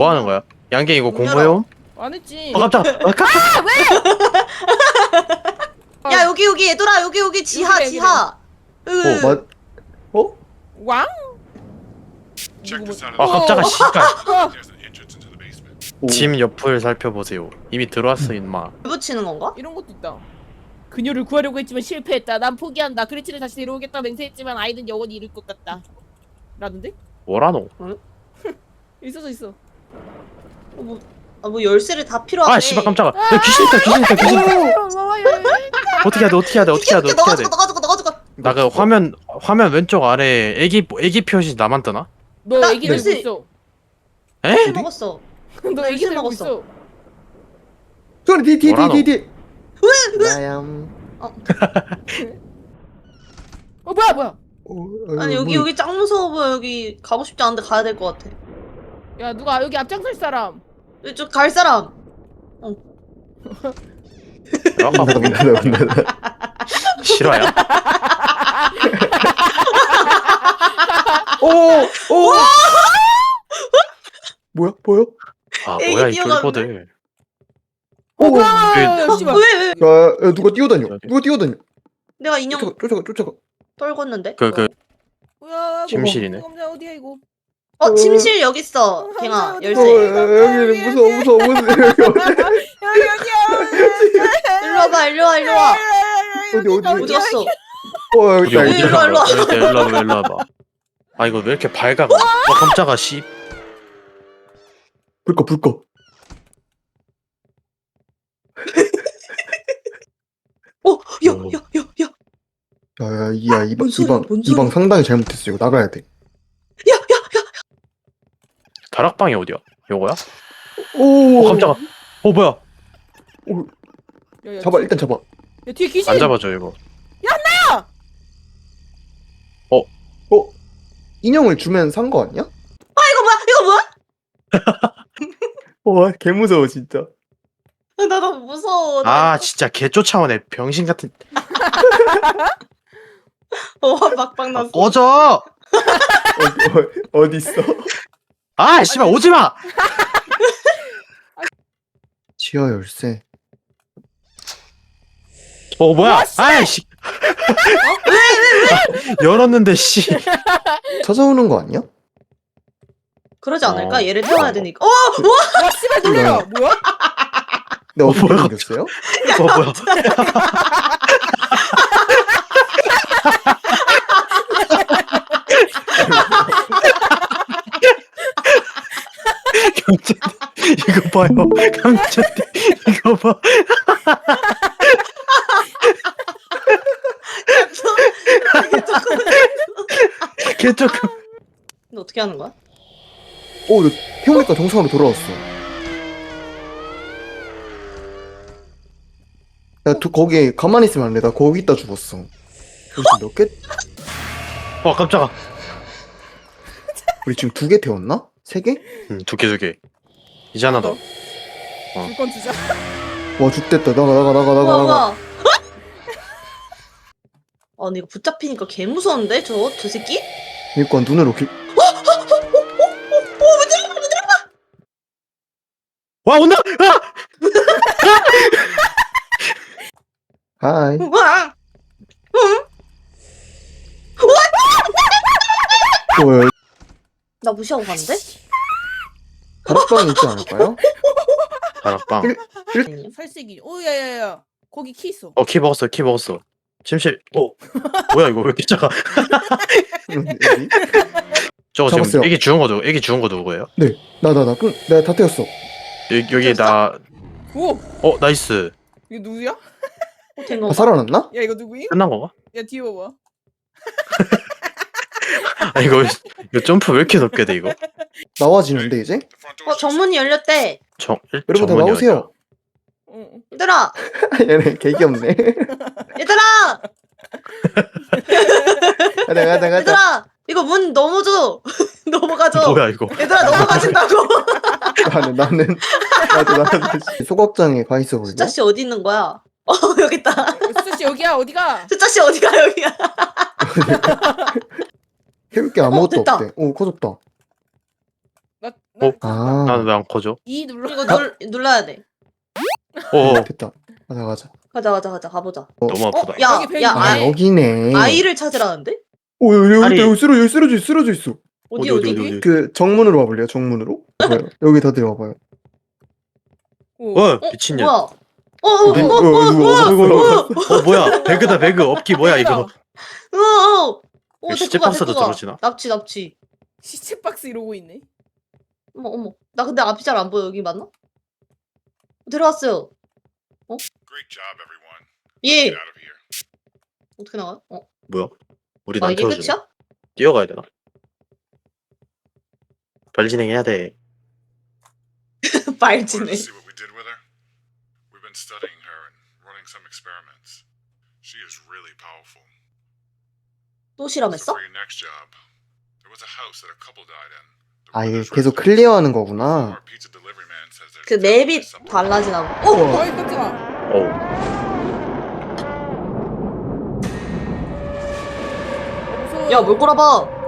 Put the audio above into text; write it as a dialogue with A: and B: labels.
A: 뭐 하는 거야? 양갱 이거
B: 문
A: 공부해옴?
B: 안 했지.
A: 깜짝! 깜짝!
C: 야 여기 얘들아 여기 지하
B: 여기래,
C: 지하.
D: 맞? 어?
B: 왕?
E: Check this out.
A: 아 깜짝아 씨발.
E: There's an entrance into the basement.
D: 오.
A: 짐 옆을 살펴보세요. 이미 들어왔어 임마.
C: 붙이는 건가?
B: 이런 것도 있다. 그녀를 구하려고 했지만 실패했다. 난 포기한다. 크리치를 다시 데려오겠다 맹세했지만 아이는 영원히 잃을 것 같다. 라는데?
A: 뭐라노?
B: 있어.
C: 뭐 열쇠를 다 필요하대.
A: 아 씨발 깜짝아. 야, 귀신 있다 귀신 있다 귀신 있다. 어떻게 해야 돼 어떻게 해야 돼 어떻게 해야 돼
C: 너
A: 어떻게 해야 돼.
C: 가지고.
A: 나 그 화면 왼쪽 아래 애기 표시 나만 뜨나?
B: 너
C: 나
B: 애기 들고
C: 열쇠-
B: 있어.
A: 에?
C: 술 먹었어.
B: 너 애기
C: 열쇠
B: 들고
C: 먹었어.
B: 있어.
D: 소리
A: 뭐라노?
D: 뒤. 나얌.
B: 뭐야?
C: 아니 여기 짱 무서워 보여. 여기 가고 싶지 않은데 가야 될 것 같아.
B: 야 누가 여기 앞장설 사람?
C: 이쪽 갈 사람.
A: 아까
D: 문닫아 문닫아.
A: 실화야?
D: 오. 뭐야? 보여?
A: 아
C: 애기
A: 뭐야 이
C: 뛰어가는데?
A: 쫄보들.
D: 오.
B: 야, 씨발.
C: 왜?
D: 야, 누가 뛰어다녀?
C: 내가 인형
D: 쫓아가.
C: 떨궜는데.
A: 그
B: 뭐야?
A: 침실이네.
B: 어디야 이거?
C: 침실 여기 있어. 갱아
B: 어디,
C: 열쇠.
D: 여기는 무서워.
C: 일로 와.
D: 어디?
C: 어디 갔어?
D: 여기
A: 어디
D: 있다.
A: 어디로
C: 일로 와.
A: 일로 와봐. 아 이거 왜 이렇게 밝아? 깜짝아 씨.
D: 불 꺼.
C: 야.
D: 야,
C: 뭔 소리야, 뭔
D: 이 방
C: 소리야?
D: 상당히 잘못했어. 이거 나가야 돼.
A: 다락방이 어디야? 요거야?
D: 오.
A: 깜짝아. 뭐야?
B: 야,
D: 일단 잡아.
B: 야 뒤에 귀신.
A: 안 잡아줘 이거.
D: 인형을 주면 산 거 아니야?
C: 이거 뭐야?
D: 와, 개 무서워 진짜.
C: 나 너무 무서워.
A: 아 진짜 개 쫓아오네 병신 같은.
C: 막방
A: 아,
C: 났어.
A: 꺼져.
D: 어디 있어?
A: 아 씨발 오지 마.
D: 지하 열쇠.
A: 뭐야? 아이씨. 왜? 열었는데 씨.
D: 찾아오는 거 아니야?
C: 그러지 않을까?
A: 어.
C: 얘를 태워야 되니까.
B: 와 씨발 놀래라. 뭐야?
D: 내 어떻게
A: 뭐야?
D: 생겼어요?
A: 뭐야? 감자띠 이거 봐요. 감자띠 이거 봐. 개 조금.
C: 근데 어떻게 하는 거야?
D: 너 태우니까 정상으로 돌아왔어. 야, 거기 가만히 있으면 안 돼. 나 거기 있다 죽었어. 여기서 몇 개?
A: 깜짝아.
D: 우리 지금 2개 태웠나? 3개?
A: 두 개. 이제 하나 더.
B: 줄건 주자.
D: 와, 죽됐다. 나가.
C: 우와. 근데 이거 붙잡히니까 개 무서운데 저 새끼?
D: 그러니까 눈으로
A: 와 온다.
D: 하이.
C: 우와.
D: 뭐야?
C: 나 무시하고 갔는데?
D: 다락방에 있지 않을까요?
A: 다락방.
B: 살색이. 야야야. 거기 키 있어.
A: 키 먹었어. 침실. 뭐야 이거 왜 이렇게 작아?
D: 여기?
A: 저거
D: 잡았어요.
A: 지금 애기 죽은 거 누구예요?
D: 나. 그럼 내가 다 태웠어.
A: 여기 나.
B: 오.
A: 나이스.
B: 이거 누구야?
C: 된
D: 아,
C: 건가?
D: 살아났나?
B: 야 이거 누구임?
A: 끝난 건가?
B: 야 뒤에 봐봐.
A: 아 이거 점프 왜 이렇게 높게 돼 이거?
D: 나와지는데 이제?
E: The front door.
C: 정문이 열렸대.
D: 여러분 다
A: 정문이
D: 나오세요.
B: 응.
C: 얘들아.
D: 얘네 개 귀엽네.
C: 얘들아.
D: 가자.
C: 얘들아. 이거 문 넘어줘. 넘어가줘.
A: 뭐야 이거?
C: 얘들아 넘어가진다고.
D: 나는 소각장에 가 있어 볼래?
C: 숫자 씨 어디 있는 거야? 여기 있다.
B: 수자 씨 여기야 어디가?
C: 숫자 씨 어디가 여기야?
D: 해볼 게 아무것도
C: 됐다.
D: 없대. 오, 커졌다.
B: 나
D: 아.
A: 나는 왜 안 커져?
B: E 눌러.
C: 이거 눌러야 돼.
A: 어
D: 됐다. 가자.
C: 가자 가보자.
A: 너무 아프다.
C: 야,
B: 여기 벨
C: 야,
B: 있네.
D: 아 여기네.
C: 아이를 찾으라는데?
D: 오 여기
A: 아니.
D: 여기 쓰러져 있어.
C: 어디?
D: 그 정문으로 와볼래요? 정문으로? 봐요. 여기 다들 와봐요.
A: 어 미친년.
C: 뭐야?
A: 뭐야 배그다 배그 업기 뭐야 이거.
C: 오,
A: 시체
C: 데리고 가,
A: 박스도
C: 데리고 가.
A: 저러지나?
C: 납치.
B: 시체 박스 이러고 있네.
C: 어머. 나 근데 앞이 잘 안 보여. 여기 맞나? 데려왔어요.
E: Great job, everyone.
C: 예.
E: Get out of here.
C: 어떻게 나가요?
A: 뭐야? 우리
C: 아,
A: 안
C: 이게
A: 태워주네.
C: 끝이야?
A: 뛰어가야 되나? 발 진행해야 돼.
C: 말지네.
E: Want to see what we did with her? We've been studying her and running some experiments. She is really powerful.
C: 또
E: So
C: 실험했어?
E: for your next job, there was a house that a couple died in. The
D: 아 이게
E: brothers
D: 계속
E: residence.
D: 클리어하는 거구나.
E: Our pizza delivery man says there's
C: 그
E: definitely
C: 맵이
E: something.
C: 달라지나 봐.
D: 우와.
B: 어이 깜짝아.
A: 어우.
B: 무서워.
C: 야, 뭘 꼬라봐.